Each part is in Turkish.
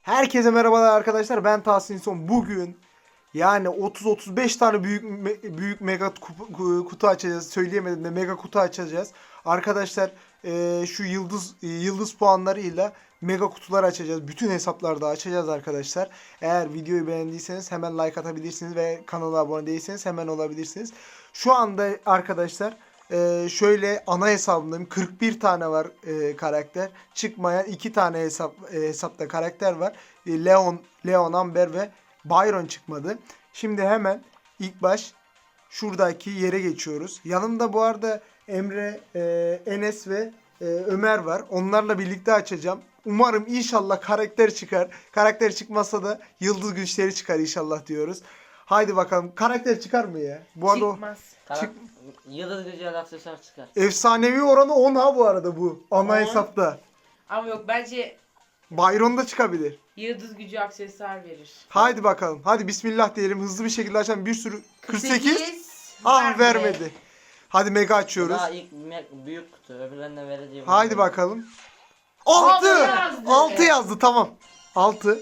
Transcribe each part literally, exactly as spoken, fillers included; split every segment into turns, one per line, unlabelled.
Herkese merhabalar arkadaşlar. Ben Tahsin Son. Bugün yani otuz otuz beş tane büyük me- büyük mega kutu, kutu açacağız. Söyleyemedim de mega kutu açacağız. Arkadaşlar e, şu yıldız e, yıldız puanlarıyla mega kutular açacağız. Bütün hesaplarda açacağız arkadaşlar. Eğer videoyu beğendiyseniz hemen like atabilirsiniz ve kanala abone değilseniz hemen olabilirsiniz. Şu anda arkadaşlar Ee, şöyle ana hesabımdayım. kırk bir tane var e, karakter. Çıkmayan iki tane hesap e, hesapta karakter var. E, Leon, Leon, Amber ve Byron çıkmadı. Şimdi hemen ilk baş şuradaki yere geçiyoruz. Yanımda bu arada Emre, e, Enes ve e, Ömer var. Onlarla birlikte açacağım. Umarım inşallah karakter çıkar. Karakter çıkmazsa da yıldız güçleri çıkar inşallah diyoruz. Haydi bakalım. Karakter çıkar mı ya? Bu arada o-
Çıkmaz.
Çık-
Yıldız gücü aksesuar çıkar.
Efsanevi oranı on ha bu arada bu. Ana
on.
hesapta.
Ama yok, bence
Byron da çıkabilir.
yıldız gücü aksesuar verir.
Haydi bakalım. Hadi bismillah diyelim. Hızlı bir şekilde açalım. Bir sürü. kırk sekiz. Ah
vermedi.
vermedi. Hadi mega açıyoruz.
Daha ilk me- büyük kutu, öbürlerine vereceğim.
Haydi bakalım. altı.
yazdı.
altı yazdı tamam. altı.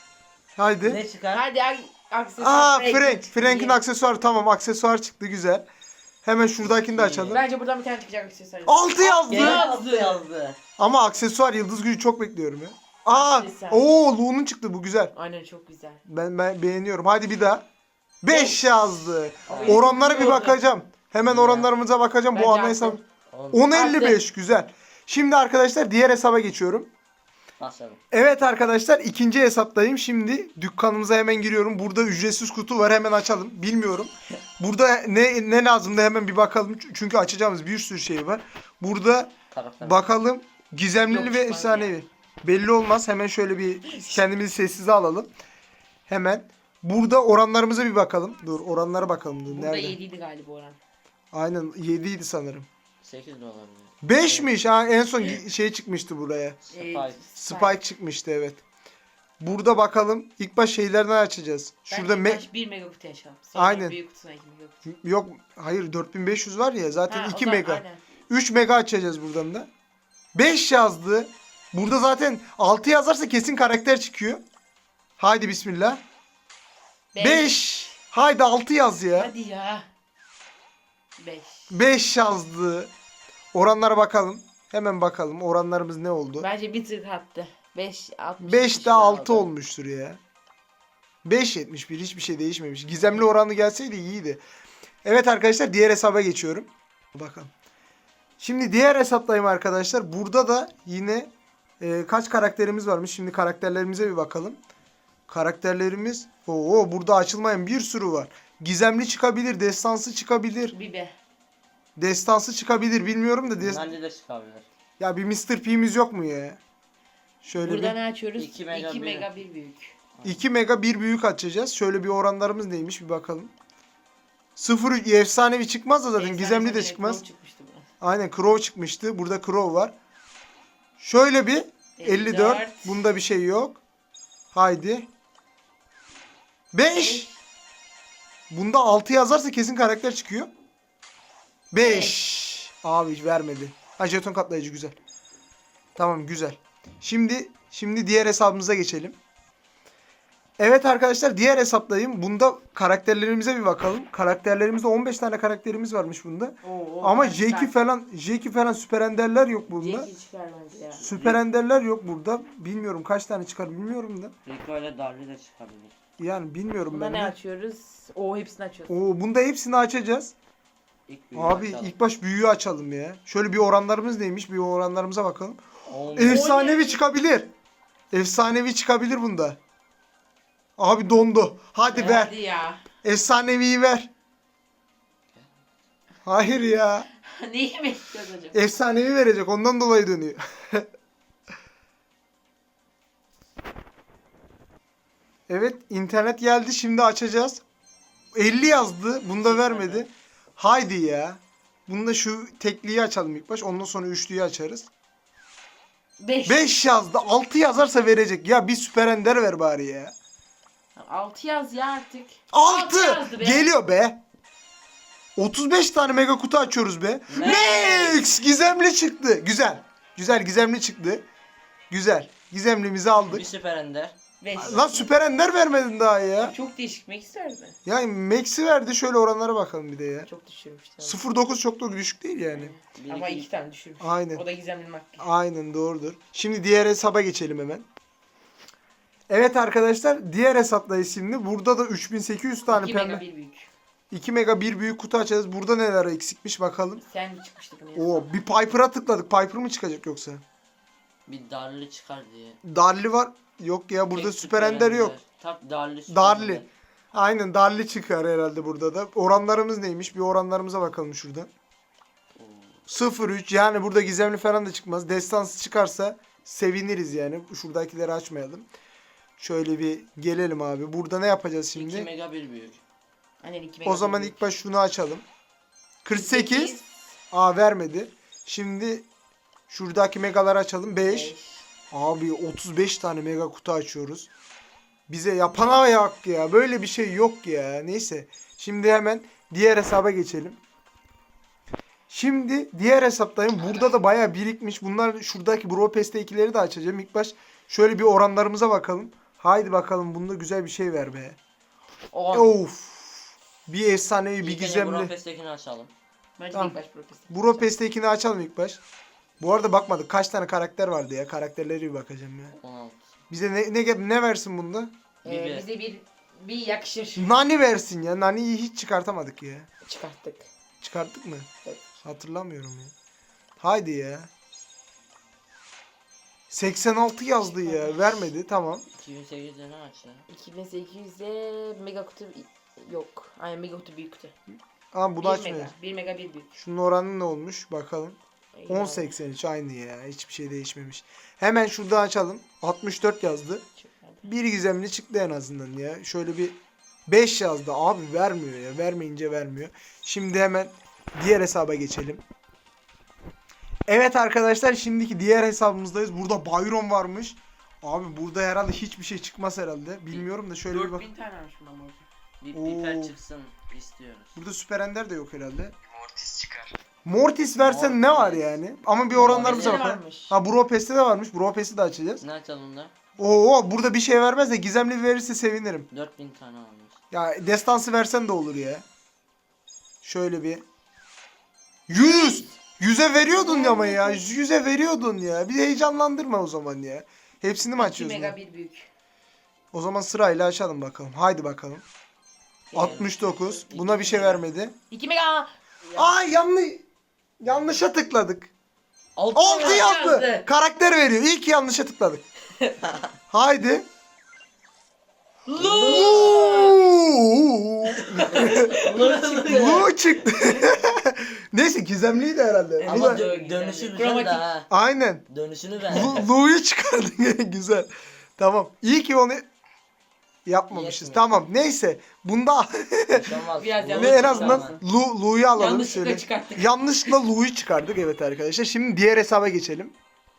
Haydi.
Ne çıkar?
Hadi ak- aksesuar.
Aa
Frank
Frank.
çıktı.
Frank'in aksesuarı tamam. Aksesuar çıktı güzel. Hemen şuradakini de açalım.
Bence buradan bir tane çıkacak aksesuar.
altı yazdı.
Gene yazdı yazdı.
Ama aksesuar yıldız gücü çok bekliyorum ya. Aa,
Aksesuar.
ooo Lu'nun çıktı bu güzel.
Aynen, çok güzel.
Ben, ben beğeniyorum. Hadi bir daha. beş yazdı.
Ama
Oranlara bir
yıldız
bakacağım. Hemen
Ya.
oranlarımıza bakacağım.
Bence
Bu ana
attı.
hesap.
On.
on elli beş güzel. Şimdi arkadaşlar diğer hesaba geçiyorum.
Başladım.
Evet arkadaşlar ikinci hesaptayım. Şimdi dükkanımıza hemen giriyorum. Burada ücretsiz kutu var, hemen açalım. Bilmiyorum. Burada ne ne lazım da hemen bir bakalım. Çünkü açacağımız bir sürü şey var. Burada
Karakter.
bakalım gizemli
Yok,
ve
çıkmaz
efsanevi. Belli olmaz. Hemen şöyle bir kendimizi sessize alalım. Hemen burada oranlarımıza bir bakalım. Dur oranlara bakalım. Dur,
Burada
nerede?
yediydi galiba oran.
Aynen yedi idi sanırım.
sekiz de olabilir.
beşmiş ha, en son şey çıkmıştı buraya.
Spike.
Ee,
Spike çıkmıştı evet. Burada bakalım. İlk baş şeylerden açacağız. Şurada
Bence
me-
baş bir mega kutu açalım. Sonra
Aynen.
büyük kutusuna iki mega kutu.
yok hayır dört bin beş yüz var ya zaten
Ha, o
iki
zaman
mega.
aynen.
üç mega açacağız buradan da. beş yazdı. Burada zaten altı yazarsa kesin karakter çıkıyor. Haydi bismillah.
Beş.
beş. Haydi altı yaz ya.
Hadi ya. beş.
beş yazdı. Oranlara bakalım. Hemen bakalım oranlarımız ne oldu?
Bence bir tık attı. beş altmış.
beşte altı olmuştur ya. beş yetmiş bir hiçbir şey değişmemiş. Gizemli oranı gelseydi iyiydi. Evet arkadaşlar diğer hesaba geçiyorum. Bakalım. Şimdi diğer hesaptayım arkadaşlar. Burada da yine e, kaç karakterimiz varmış. Şimdi karakterlerimize bir bakalım. Karakterlerimiz oo burada açılmayan bir sürü var. Gizemli çıkabilir, destansı çıkabilir.
Bibe.
Destansı çıkabilir bilmiyorum da. Des-
Bence de çıkabilir.
ya bir mister P'miz yok mu ya? Şöyle
Burada
bir
ne açıyoruz?
iki mega
iki
bir.
mega bir büyük.
iki mega bir büyük açacağız. Şöyle bir oranlarımız neymiş bir bakalım. sıfır efsanevi çıkmaz da zaten.
Efsane
Gizemli de
böyle
çıkmaz.
Crow çıkmıştı bu.
Aynen Crow çıkmıştı. Burada Crow var. Şöyle bir elli dört. Bunda bir şey yok. Haydi. beş. Bunda altı yazarsa kesin karakter çıkıyor. beş. Abi hiç vermedi. Ha jeton katlayıcı güzel. Tamam güzel. Şimdi şimdi diğer hesabımıza geçelim. Evet arkadaşlar diğer hesaptayım. Bunda karakterlerimize bir bakalım. Karakterlerimizde on beş tane karakterimiz varmış bunda.
Oo,
Ama
ben
Jeki
çıkar.
falan Jeki falan süper enderler yok bunda.
Jeki çıkar bence ya.
Süper enderler yok burada. Bilmiyorum kaç tane çıkar bilmiyorum da.
Rico ile Darby de çıkabilir.
Yani bilmiyorum
Bunda
ben
ne
de.
açıyoruz? Oo, hepsini açıyoruz.
Oo bunda hepsini açacağız.
İlk büyüğü
Abi
açalım.
ilk baş büyüğü açalım ya. Şöyle bir oranlarımız neymiş? Bir oranlarımıza bakalım.
On-
Efsanevi çıkabilir. Efsanevi çıkabilir bunda. Abi dondu. Hadi
Ya,
ver.
Hadi ya.
Efsaneviyi ver. Hayır ya.
Neyi bekliyoruz acaba?
Efsanevi verecek. Ondan dolayı dönüyor. Evet internet geldi. Şimdi açacağız. elli yazdı. Bunda vermedi. Haydi ya. Bunda şu tekliyi açalım ilk baş. Ondan sonra üçlüyü açarız.
beş.
beş yazdı. altı yazarsa verecek. Ya bir süper ender ver bari ya.
altı yaz ya artık.
altı
yazdı be.
geliyor be. otuz beş tane mega kutu açıyoruz be. Max gizemli çıktı. Güzel. Güzel gizemli çıktı. Güzel. Gizemlimizi aldık.
Bir süper ender.
beş.
Lan Süper Ender vermedin daha ya.
Çok değişik. Max verdi.
Yani Max'i verdi. Şöyle oranlara bakalım bir de ya.
Çok düşürmüş. Tamam.
sıfır virgül dokuz çok da düşük değil yani.
Bir,
Ama
iki-
iki tane düşürmüş.
Aynen.
O da gizemli makyaj.
Aynen doğrudur. Şimdi diğer hesaba geçelim hemen. Evet arkadaşlar diğer hesaptayız şimdi. Burada da üç bin sekiz yüz tane
iki mega
pembe.
bir büyük.
iki mega bir büyük kutu açacağız. Burada neler eksikmiş bakalım.
Sen mi çıkmıştı bunu
Oo
yazsana?
bir Piper'a tıkladık. Piper mı çıkacak yoksa?
Bir darlı çıkar diye.
Darli var. Yok ya burada
Tek
Süper Ender yok.
Tak darlı süper
Darli.
Ender.
Aynen Darli çıkar herhalde burada da. Oranlarımız neymiş? Bir oranlarımıza bakalım şurada.
Oo.
sıfır virgül üç yani burada gizemli falan da çıkmaz. Destansı çıkarsa seviniriz yani. Şuradakileri açmayalım. Şöyle bir gelelim abi. Burada ne yapacağız
iki
şimdi?
mega bir büyük.
Aynen iki mega
O
bir
zaman
büyük.
ilk baş şunu açalım. kırk sekiz. Aa vermedi. Şimdi şuradaki megaları açalım. beş.
Beş.
Abi otuz beş tane mega kutu açıyoruz. Bize yapana yok ya. Böyle bir şey yok ya. Neyse. Şimdi hemen diğer hesaba geçelim. Şimdi diğer hesaptayım. Burada da bayağı birikmiş. Bunlar şuradaki Bro Pest'tekileri de açacağım. İlk baş şöyle bir oranlarımıza bakalım. Haydi bakalım bunda güzel bir şey ver be.
On.
Of. Bir efsanevi bir
İlk önce
gizemli.
Brofest'tekini açalım.
Bence
Tamam.
ilk baş protest.
Bro Pest'tekini açalım ilk baş. Bu arada bakmadık. Kaç tane karakter vardı ya. Karakterleri bir bakacağım ya.
on altı.
Bize ne, ne, ne versin bunda?
Ee,
Bir-
bize bir bir yakışır.
Nani versin ya. Nani'yi hiç çıkartamadık ya.
Çıkarttık.
Çıkarttık mı?
Evet.
Hatırlamıyorum ya. Haydi ya. seksen altı yazdı ya. Vermedi. Tamam.
iki bin sekizde ne aç ya?
iki bin sekiz yüzde mega kutu yok. Aynen mega kutu büyük kutu.
Ama bunu
bir
açmıyor.
mega. bir mega bir büyük.
Şunun oranı ne olmuş? Bakalım.
Yani
on seksen üç aynı ya. Hiçbir şey değişmemiş. Hemen şuradan açalım. altmış dört yazdı.
çıkmadı.
Bir gizemli çıktı en azından ya. Şöyle bir beş yazdı. Abi vermiyor ya. Vermeyince vermiyor. Şimdi hemen diğer hesaba geçelim. Evet arkadaşlar şimdiki diğer hesabımızdayız. Burada Byron varmış. Abi burada herhalde hiçbir şey çıkmaz herhalde. Bilmiyorum da şöyle bir bak.
dört bin tane almış bundan bu.
Bir
Oo.
piper çıksın istiyoruz.
Burada Süper Ender de yok herhalde. Mortis çıkar. Mortis versen ne
Mortis.
var yani? Ama bir oranlarımıza
Mortis'te
bakalım.
varmış.
Ha Bro Pest'te de varmış. Bro Pest'i de açacağız.
Ne açalım da?
Oo burada bir şey vermez de gizemli verirse sevinirim.
dört bin tane almış.
Ya destansı versen de olur ya. Şöyle bir. yüz. yüze veriyordun ya ama ya. yüze veriyordun ya. Bir de heyecanlandırma o zaman ya. Hepsini mi
iki
açıyorsun?
mega
ya?
bir büyük.
O zaman sırayla açalım bakalım. Haydi bakalım. altmış dokuz. Buna bir şey vermedi.
iki mega.
Aa yanlış. Yanlışa tıkladık.
altı
altı yazdı.
yazdı.
Karakter veriyor. İyi ki yanlışa tıkladık. Haydi. Bu çıktı. Neyse gizemliydi herhalde. Bu
Ama
da-
dö- dönüşü güzel
Kromatik.
de ha.
Aynen.
Dönüşünü ver.
Lu- Lu'yu çıkardın. Güzel. Tamam. İyi ki onu yapmamışız.
Yetmiyor.
Tamam. Neyse. Bunda
Hiç olmaz.
Biraz
Bu-
yanlış
ne en
çıktı
azından
ama.
Lu, Lu'yu alalım
Yanlışlıkla
şöyle.
çıkarttık.
Yanlışlıkla Lu'yu çıkardık evet arkadaşlar. Şimdi diğer hesaba geçelim.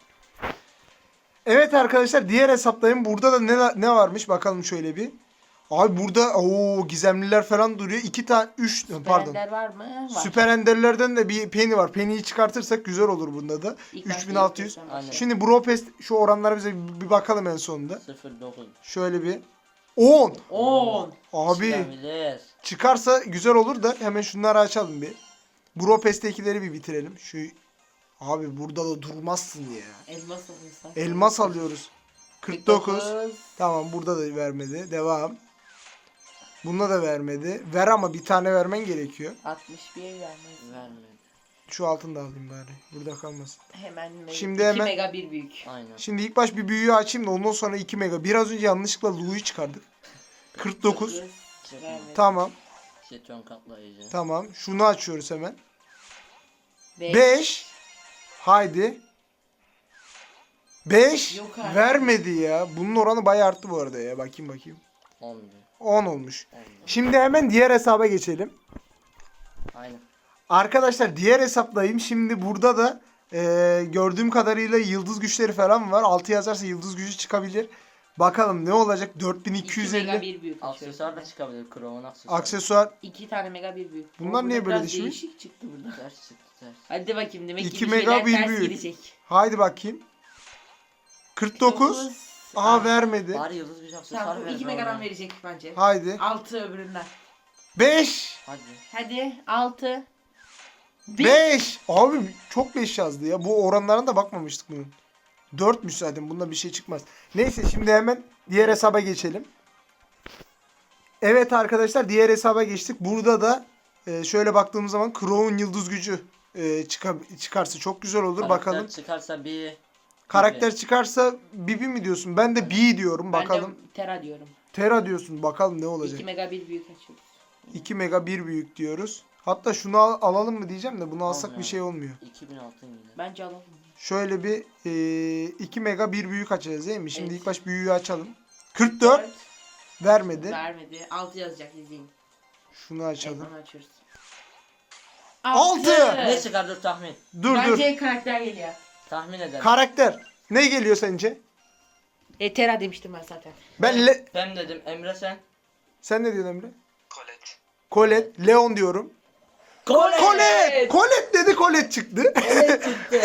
Evet arkadaşlar diğer hesaptayım. Burada da ne ne varmış bakalım şöyle bir. Abi burada o gizemliler falan duruyor. iki tane üç pardon.
Beğenler var mı? Var.
Süper Ender'lerden de bir Penny var. Penny'yi çıkartırsak güzel olur bunda da.
İlk başta
üç bin altı yüz.
ilk başta
Aynen.
Şimdi Bro Pest şu oranlara bize bir bakalım en sonunda.
sıfır dokuz.
Şöyle bir on.
on.
Abi
Çıkabilir.
çıkarsa güzel olur da hemen şunları açalım bir. Bro Pest'tekileri bir bitirelim. Şu abi burada da durmazsın ya.
Elmas alırsan.
Elmas alıyoruz. kırk dokuz. Tamam burada da vermedi. Devam. Bunda da vermedi. Ver ama bir tane vermen gerekiyor.
altmış bir vermez.
Vermedi.
Şu altını da alayım bari. Burada kalmasın.
Hemen
Şimdi
iki
hemen-
mega bir büyük.
Aynen.
Şimdi ilk baş bir büyüğü açayım da ondan sonra iki mega. Biraz önce yanlışlıkla Lu'yu çıkardık. kırk dokuz.
Vermedi.
Tamam.
Jeton katlayıcı.
Tamam. Şunu açıyoruz hemen.
Beş.
beş. Haydi. beş.
Yok artık.
Vermedi ya. Bunun oranı bayağı arttı bu arada ya. Bakayım bakayım.
on.
on olmuş.
on.
Şimdi hemen diğer hesaba geçelim.
Aynen.
Arkadaşlar diğer hesaplayayım. Şimdi burada da e, gördüğüm kadarıyla yıldız güçleri falan var. altı yazarsa yıldız gücü çıkabilir. Bakalım ne olacak? dört bin iki yüz
iki mega
elli
bir büyük.
Aksesuar da çıkabilir. Chrome'un aksesuarı.
aksesuar.
iki tane mega bir büyük.
Bunlar
Burada
niye böyle
biraz
düşmüş?
Değişik çıktı burada.
Ters çıktı ters.
Hadi bakayım demek ki
İki
bir
mega
şeyler
bir
ters
büyük.
gidecek.
Haydi bakayım. kırk dokuz. Aa vermedi.
Bari yıldız bir aksesuar
Tamam bu
ver.
iki
be
megadan
ona.
verecek bence.
Haydi.
altı öbüründen.
beş.
Hadi.
Hadi altı. Bir.
beş. Abi çok beş yazdı ya. Bu oranlarına da bakmamıştık bunun. dörtmüş zaten. Bunda bir şey çıkmaz. Neyse şimdi hemen diğer hesaba geçelim. Evet arkadaşlar diğer hesaba geçtik. Burada da e, şöyle baktığımız zaman Crow'un yıldız gücü e, çıka- çıkarsa çok güzel olur.
Karakter
Bakalım.
çıkarsa bir.
Karakter çıkarsa Bibi mi diyorsun? Ben de B diyorum. Bakalım.
Ben de Tera diyorum.
Tera diyorsun. Bakalım ne olacak.
iki mega bir büyük açıyoruz.
iki mega bir büyük diyoruz. Hatta şunu al- alalım mı diyeceğim de bunu alsak
Almayalım.
bir şey olmuyor.
iki bin altın yine.
Bence alalım.
Şöyle bir e, iki mega bir büyük açacağız değil mi? Şimdi
Evet.
ilk baş büyüğü açalım. kırk dört
dört.
vermedi.
Vermedi. altı yazacak izleyin.
Şunu açalım.
Evet, onu açıyoruz.
Altı.
Ne çıkar dur tahmin.
Dur
Bence karakter geliyor.
Tahmin
dur.
edelim.
Karakter. Ne geliyor sence?
E Tera demiştim ben zaten.
Ben Le-
Ben dedim Emre sen.
Sen ne diyorsun Emre?
Colette.
Colette. Leon diyorum.
Colette.
Colette. Colette dedi, Colette çıktı.
Colette çıktı.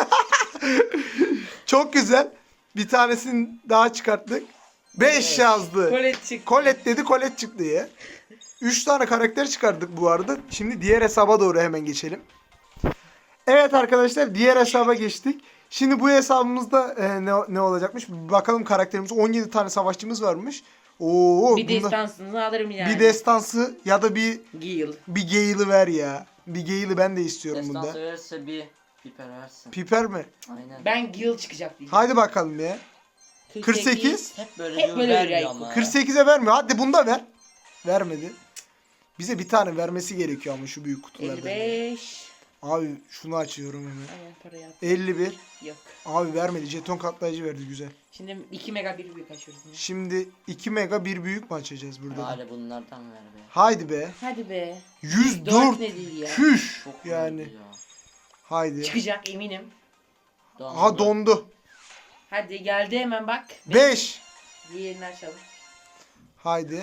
Çok güzel. Bir tanesini daha çıkarttık. beş yazdı.
Colette çıktı.
Colette dedi, Colette çıktı ya. üç tane karakter çıkardık bu arada. Şimdi diğer hesaba doğru hemen geçelim. Evet arkadaşlar diğer hesaba geçtik. Şimdi bu hesabımızda e, ne, ne olacakmış? Bir bakalım karakterimiz on yedi tane savaşçımız varmış. Oo,
Bir
bunda-
destansını alırım yani.
bir destansı ya da bir
Gil.
bir Gale'ı ver ya. Bir Gale'ı ben de istiyorum
Destansı
bunda.
verirse bir piper versin.
Piper mi?
Aynen.
Ben Gil çıkacak diyeceğim.
Haydi bakalım ya. kırk sekiz.
Hep böyle
Hep
diyor
böyle
vermiyor
veriyor.
ama.
kırk sekize vermiyor. Hadi bunda ver. Vermedi. Bize bir tane vermesi gerekiyor ama şu büyük kutulardan.
elli beş.
Abi şunu açıyorum hemen.
Aynen parayı at.
elli bir.
Yok.
Abi vermedi. Jeton katlayıcı verdi güzel.
Şimdi iki mega bir büyük açıyoruz yine.
Şimdi iki mega bir büyük mü açacağız burada? da?
Bari bunlardan ver be.
Haydi be.
Hadi be.
yüz
dört
dört.
ne değil ya.
Küş.
Çok
Yani.
verdi ya.
Haydi.
Çıkacak eminim.
Dondu.
Aha dondu.
Hadi geldi hemen bak.
beş.
Diğerini açalım.
Haydi.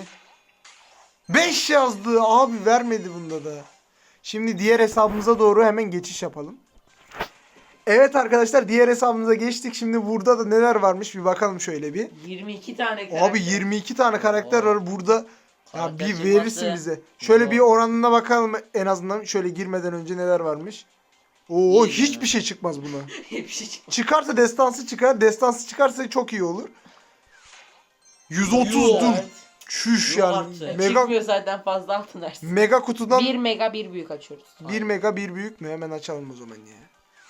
beş yazdı. Abi vermedi bunda da. Şimdi diğer hesabımıza doğru hemen geçiş yapalım. Evet arkadaşlar diğer hesabımıza geçtik. Şimdi burada da neler varmış bir bakalım şöyle bir.
yirmi iki tane karakter.
Abi yirmi iki tane karakter var burada. Ya
Karakter
bir
çıkması-
verirsin bize. Şöyle
Yok.
bir oranına bakalım en azından şöyle girmeden önce neler varmış. Oo
İyi
hiçbir
yani.
şey çıkmaz buna.
Bir şey çıkmadı.
Çıkarsa destansı çıkar. Destansı çıkarsa çok iyi olur. yüz otuz
Yuh.
dur.
Evet.
Çüş
Yuh
yani.
artık.
Mega
Çıkmıyor zaten fazla altın versin.
mega kutudan
bir mega bir büyük açıyoruz.
bir mega bir büyük mü? Hemen açalım o zaman ya.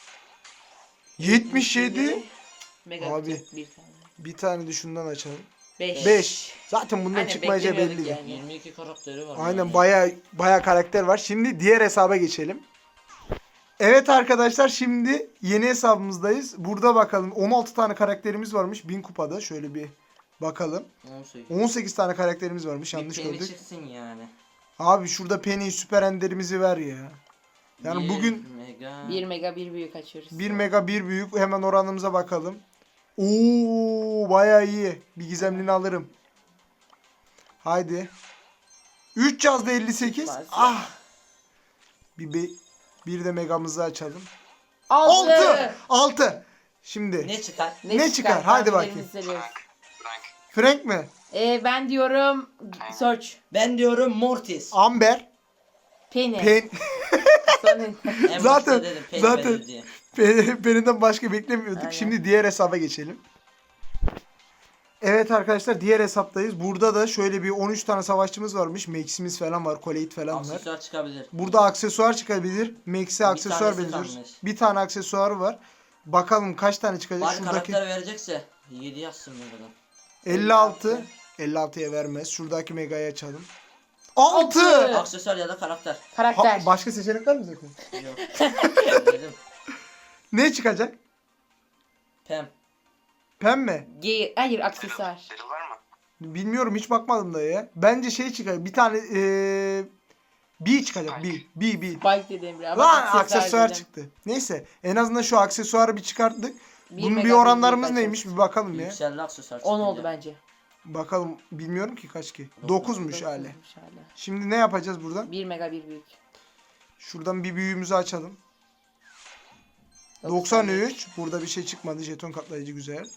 yetmiş yedi.
Mega
Abi.
kutu, bir tane.
Bir tane de şundan açalım.
beş.
beş. Zaten bundan
Aynen,
çıkmayacağı
beklemiyorduk
belli.
yani.
yirmi iki karakteri var.
Aynen
yani.
baya baya karakter var. Şimdi diğer hesaba geçelim. Evet arkadaşlar şimdi yeni hesabımızdayız. Burada bakalım on altı tane karakterimiz varmış bin kupada. Şöyle bir bakalım.
on sekiz.
on sekiz tane karakterimiz varmış.
Bir
Yanlış
penny
gördük.
çıksın yani.
Abi şurada Penny süper enderimizi ver ya. Yani
Bir
bugün
mega.
bir mega bir büyük açıyoruz.
bir mega bir büyük hemen oranımıza bakalım. Oo baya iyi. Bir gizemlini alırım. Haydi. üç yazdı elli sekiz.
Çıkmaz ya.
Ah. Bir, be- bir de megamızı açalım.
altı.
altı. altı. Şimdi
Ne çıkar?
Ne çıkar? Hadi
Tahminlerinizi
bakayım.
seviyoruz.
Frank.
Frank mi?
Ee, ben diyorum Search.
Ben diyorum Mortis.
Amber.
Penny.
Pen
Senin.
En
zaten-
başta dedim, Penny
zaten-
verir diye.
Pen- Penny'den başka beklemiyorduk.
Aynen.
Şimdi diğer hesaba geçelim. Evet arkadaşlar diğer hesaptayız. Burada da şöyle bir on üç tane savaşçımız varmış. Max'imiz falan var. Colette falan var.
Aksesuar çıkabilir.
Burada aksesuar çıkabilir. Max'e aksesuar
tanesi
benziyoruz.
kalmış.
Bir tane aksesuarı var. Bakalım kaç tane çıkacak.
Bari
Şuradaki
karakter verecekse yedi yazsın buradan.
elli altı. elli altıya vermez. Şuradaki megayı açalım. altı.
Altı.
Aksesuar ya da karakter.
Karakter.
başka seçenek var mı zaten?
Yok. Dedim.
Ne çıkacak?
Pem.
Pembe.
Ge- Hayır aksesuar.
Daryl var mı?
Bilmiyorum hiç bakmadım da ya. Bence şey çıkacak. Bir tane eee B çıkacak. B. B. B.
Spike dedim ya.
Lan aksesuar çıktı. Neyse en azından şu aksesuarı bir çıkarttık.
Bir
Bunun
mega
bir
bir
oranlarımız
büyük
neymiş bir bakalım ya.
Yükseldi aksesuar
on
çıkınca.
oldu bence.
Bakalım bilmiyorum ki kaç ki.
Dokuz.
dokuzmuş hali.
Dokuzmuş hala.
Şimdi ne yapacağız buradan?
bir mega bir büyük.
Şuradan bir büyüğümüzü açalım. doksan üç. Burada bir şey çıkmadı. Jeton katlayıcı güzel.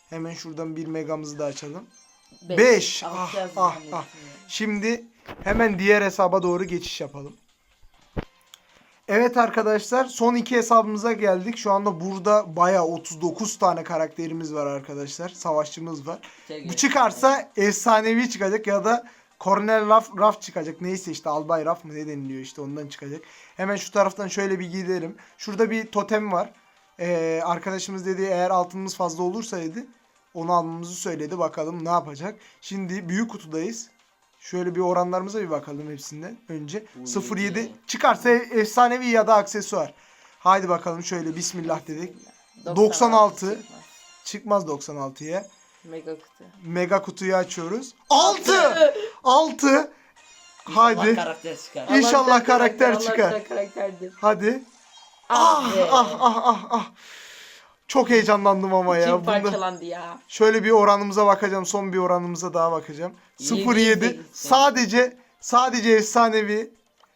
Hemen şuradan bir megamızı da açalım.
Beş.
beş.
Altı
Ah,
yazdım
ah,
zannettim
ah.
ya.
Şimdi hemen diğer hesaba doğru geçiş yapalım. Evet arkadaşlar, son iki hesabımıza geldik. Şu anda burada bayağı otuz dokuz tane karakterimiz var arkadaşlar. Savaşçımız var.
Sevgili-
Bu çıkarsa efsanevi çıkacak ya da Cornel Raf, Raf çıkacak. Neyse işte Albay Raf mı ne deniliyor işte ondan çıkacak. Hemen şu taraftan şöyle bir gidelim. Şurada bir totem var. Ee, arkadaşımız dedi eğer altınımız fazla olursa dedi onu almamızı söyledi. Bakalım ne yapacak. Şimdi büyük kutudayız. Şöyle bir oranlarımıza bir bakalım hepsinden önce.
Bu
sıfır
yedi.
yedi çıkarsa efsanevi ya da aksesuar. Haydi bakalım şöyle bismillah dedik. doksan
doksan
altı.
çıkmaz.
Çıkmaz doksan altıya.
Mega kutu.
Mega kutuyu açıyoruz. altı! altı!
Allah
Haydi.
karakter çıkar.
İnşallah
Allah'tan
karakter
Allah'tan
çıkar.
karakterdir.
Hadi.
Ah,
Ah
be.
ah ah ah ah. Çok heyecanlandım ama ya.
İçim
Bunda...
parçalandı ya.
Şöyle bir oranımıza bakacağım. Son bir oranımıza daha bakacağım.
Yedi,
sıfır yedi.
yedi.
Sadece sadece efsanevi.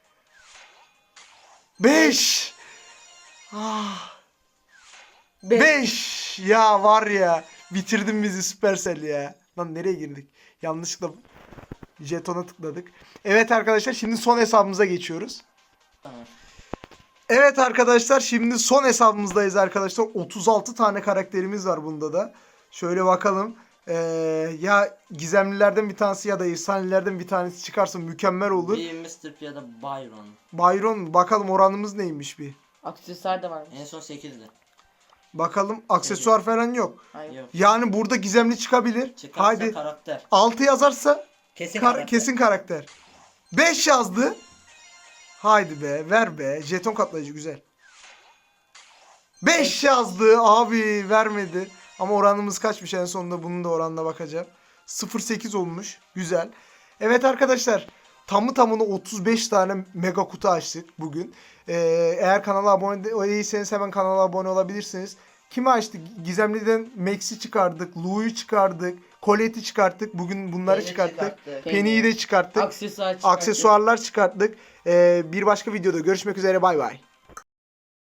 beş. Ah.
Beş.
beş. Ya var ya. Bitirdin bizi Supercell ya. Lan nereye girdik? Yanlışlıkla jetona tıkladık. Evet arkadaşlar şimdi son hesabımıza geçiyoruz.
Tamam.
Evet arkadaşlar şimdi son hesabımızdayız arkadaşlar. otuz altı tane karakterimiz var bunda da. Şöyle bakalım. Ee, ya gizemlilerden bir tanesi ya da efsanelerden bir tanesi çıkarsa mükemmel olur.
Bir mister P ya da Byron.
Byron bakalım oranımız neymiş bir.
Aksesuar da varmış.
En son sekizdi.
Bakalım aksesuar falan yok.
Hayır.
Yok.
Yani burada gizemli çıkabilir.
Çıkarsa
Haydi
karakter.
altı yazarsa
Kesin
kar-
karakter.
kesin karakter. beş yazdı. Haydi be ver be. Jeton katlayıcı güzel. beş yazdı abi vermedi. Ama oranımız kaçmış en sonunda bunun da oranına bakacağım. sıfır virgül sekiz olmuş. Güzel. Evet arkadaşlar tamı tamına otuz beş tane mega kutu açtık bugün. Ee, eğer kanala abone değilseniz hemen kanala abone olabilirsiniz. Kimi açtık? Gizemli'den Max'i çıkardık. Lou'yu çıkardık. Colette'i çıkarttık. Bugün bunları
Penny
çıkarttık.
çıkarttık.
Penny'yi de çıkarttık.
Aksesuar çıkarttık.
Aksesuarlar çıkarttık. Ee, bir başka videoda görüşmek üzere. Bay bay.